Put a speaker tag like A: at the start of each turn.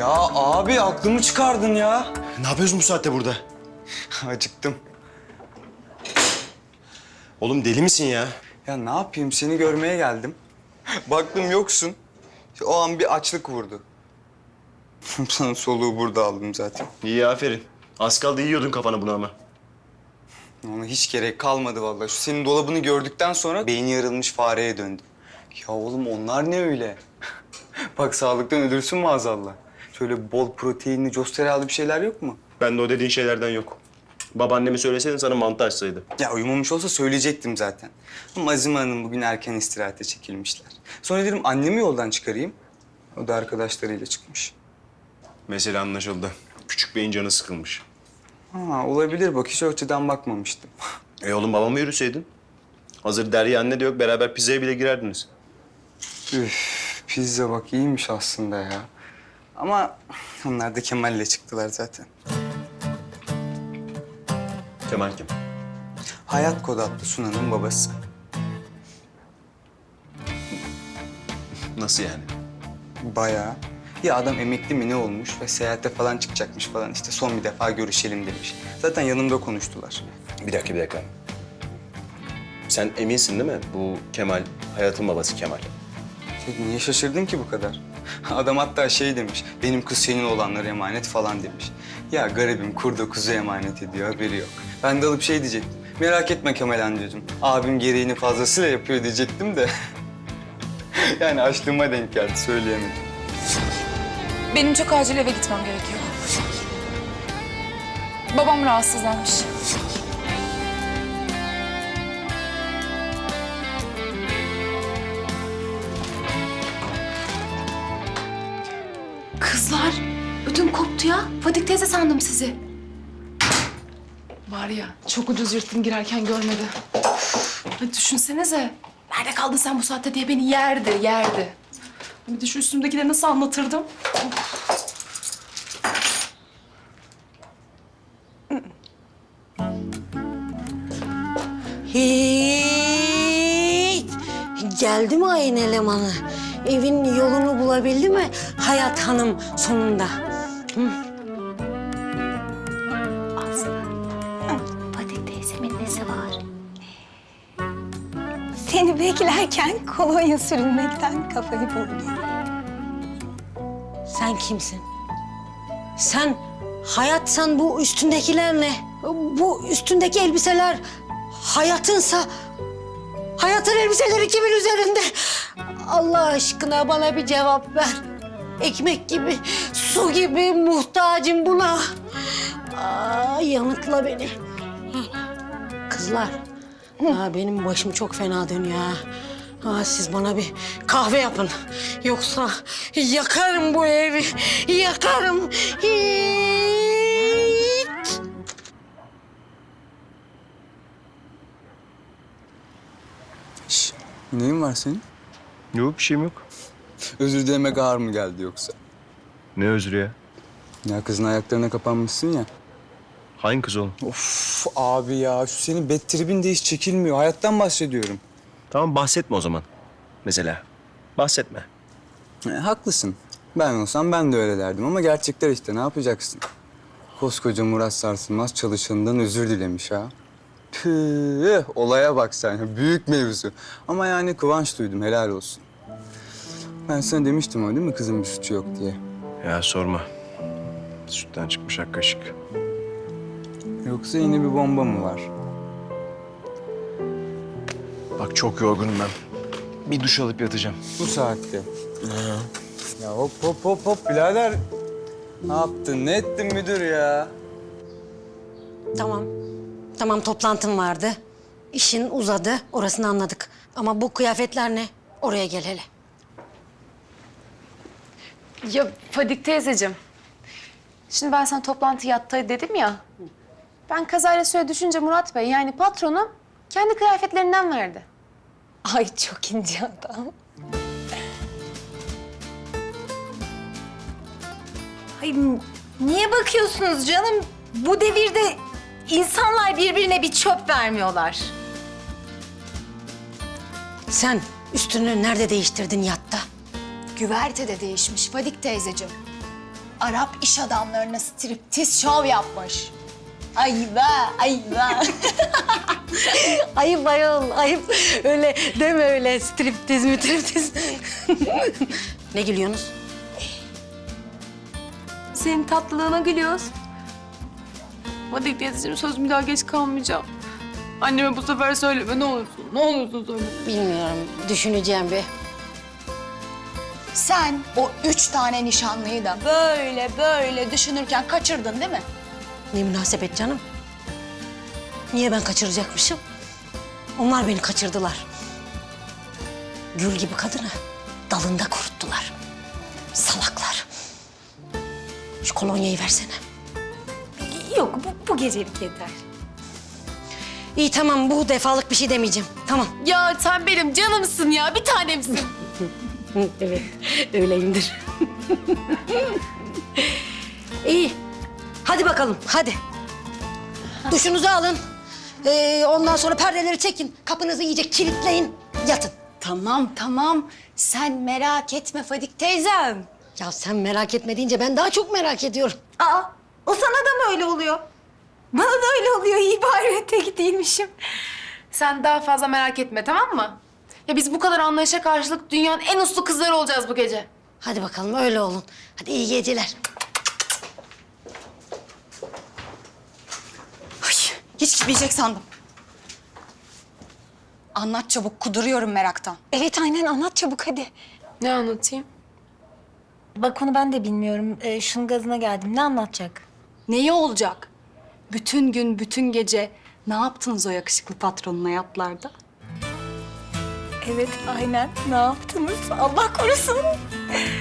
A: Ya abi aklımı çıkardın ya.
B: Ne yapıyorsun bu saatte burada?
A: Acıktım.
B: Oğlum deli misin ya?
A: Ya ne yapayım seni görmeye geldim. Baktım yoksun. O an bir açlık vurdu. Sana soluğu burada aldım zaten.
B: İyi aferin. Az kaldı yiyordun kafana bunu ama.
A: Ona hiç gerek kalmadı vallahi. Şu senin dolabını gördükten sonra beyni yarılmış fareye döndüm. Ya oğlum onlar ne öyle? Bak sağlıktan ölürsün maazallah. Şöyle bol proteinli, costeryalı bir şeyler yok mu?
B: Ben de o dediğin şeylerden yok. Babaanneme söyleseydin sana mantı açsaydı.
A: Ya uyumamış olsa söyleyecektim zaten. Ama Azime Hanım bugün erken istirahate çekilmişler. Sonra dedim annemi yoldan çıkarayım. O da arkadaşlarıyla çıkmış.
B: Mesele anlaşıldı. Küçük beyin canı sıkılmış.
A: Ha, olabilir bak hiç o açıdan bakmamıştım.
B: Oğlum babamı yürüseydin. Hazır Derya anne de yok, beraber pizzaya bile girerdiniz.
A: Üf, pizza bak iyiymiş aslında ya. Ama onlar da Kemal'le çıktılar zaten.
B: Kemal kim?
A: Hayat Kod adlı Sunan'ın babası.
B: Nasıl yani?
A: Bayağı. Ya adam emekli mi ne olmuş ve seyahate falan çıkacakmış falan işte son bir defa görüşelim demiş. Zaten yanımda konuştular.
B: Bir dakika. Sen eminsin değil mi? Bu Kemal, Hayat'ın babası Kemal.
A: Sen niye şaşırdın ki bu kadar? Adam hatta şey demiş, benim kız senin olanlara emanet falan demiş. Ya garibim kurda kuzu emanet ediyor, haberi yok. Ben de alıp şey diyecektim, merak etme Kemal amcacığım, abim gereğini fazlasıyla yapıyor diyecektim de. Yani açlığıma denk geldi, söyleyemedim.
C: Benim çok acil eve gitmem gerekiyor. Babam rahatsızlanmış.
D: Kızlar, ödüm koptu ya. Fadik teyze sandım sizi.
C: Var ya, çok ucuz yırttım girerken görmedi.
D: Hadi düşünsenize. Nerede kaldın sen bu saatte diye beni yerdi.
C: Bir de şu üstümdekileri nasıl anlatırdım?
E: Hiç. Geldi mi ayın elemanı? Evin yolunu bulabildi mi Hayat Hanım sonunda?
F: Fadik teyzemin nesi var? Seni beklerken kolonya sürünmekten kafayı buldu.
E: Sen kimsin? Sen Hayatsan bu üstündekiler ne? Bu üstündeki elbiseler Hayatınsa Hayatın elbiseleri kimin üzerinde? Allah aşkına bana bir cevap ver. Ekmek gibi, su gibi muhtacım buna. Yanıtla beni. Kızlar, benim başım çok fena dönüyor ha. Siz bana bir kahve yapın. Yoksa yakarım bu evi, yakarım. Hiç.
A: Şş, neyin var senin?
B: Yok, bir şeyim yok.
A: Özür dilemek ağır mı geldi yoksa?
B: Ne özrü ya?
A: Ya kızın ayaklarına kapanmışsın ya.
B: Hangi kız oğlum?
A: Of abi ya şu senin bad trip'in de hiç çekilmiyor. Hayattan bahsediyorum.
B: Tamam, bahsetme o zaman. Mesela. Bahsetme.
A: Haklısın. Ben olsam ben de öyle derdim ama gerçekler işte ne yapacaksın? Koskoca Murat Sarsılmaz çalışanından özür dilemiş ha. Tüh, olaya bak sen. Büyük mevzu. Ama yani kıvanç duydum, helal olsun. Ben sana demiştim ama değil mi kızın bir suçu yok diye.
B: Ya sorma. Sütten çıkmış ak kaşık.
A: Yoksa yine bir bomba mı var?
B: Bak çok yorgunum ben. Bir duş alıp yatacağım.
A: Bu saatte. Ya hop birader. Ne yaptın, ne ettin müdür ya?
E: Tamam toplantım vardı. İşin uzadı, orasını anladık. Ama bu kıyafetler ne? Oraya gel hele.
D: Ya Fadik teyzeciğim. Şimdi ben sana toplantı yattı dedim ya. Ben kazayla suya düşünce Murat Bey yani patronum kendi kıyafetlerinden verdi.
F: Ay çok ince adam. Ay niye bakıyorsunuz canım? Bu devirde insanlar birbirine bir çöp vermiyorlar.
E: Sen üstünü nerede değiştirdin yatta?
D: Güvertede değişmiş Fadik teyzeciğim.
F: Arap iş adamlarına striptiz şov yapmış. Ayva, ayva.
E: Ayıp ayol, ayıp. Öyle deme öyle. Striptiz mi triptiz. Ne gülüyorsunuz?
D: Senin tatlılığına gülüyoruz. Fadik teyzeciğim söz bir daha geç kalmayacağım. Anneme bu sefer söyleme ne olursun. Ne olursun söyle.
E: Bilmiyorum. Düşüneceğim bir.
F: Sen o 3 tane nişanlıyı da böyle böyle düşünürken kaçırdın değil mi?
E: Ne münasebet canım. Niye ben kaçıracakmışım? Onlar beni kaçırdılar. Gül gibi kadını dalında kuruttular. Salaklar. Şu kolonyayı versene.
F: Yok, bu gecelik yeter.
E: İyi tamam, bu defalık bir şey demeyeceğim. Tamam.
D: Ya sen benim canımsın ya, bir tanemsin.
E: Evet, öyleyimdir. İyi. Hadi bakalım, hadi. Duşunuzu alın. Ondan sonra perdeleri çekin. Kapınızı iyice kilitleyin. Yatın.
F: Tamam. Sen merak etme Fadik teyzem.
E: Ya sen merak etme deyince ben daha çok merak ediyorum.
F: Aa, o sana da mı öyle oluyor? Bana da öyle oluyor. İyi bari tek değilmişim.
D: Sen daha fazla merak etme, tamam mı? Ya biz bu kadar anlayışa karşılık dünyanın en uslu kızları olacağız bu gece.
E: Hadi bakalım öyle olun. Hadi iyi geceler.
F: Ay, hiç gitmeyecek sandım. Anlat çabuk, kuduruyorum meraktan.
C: Evet aynen anlat çabuk hadi.
D: Ne anlatayım?
F: Bak onu ben de bilmiyorum. Şunun gazına geldim. Ne anlatacak?
G: Neyi olacak? Bütün gün, bütün gece ne yaptınız o yakışıklı patronuna yatlarda?
F: Evet, aynen. Ne yaptınız? Allah korusun.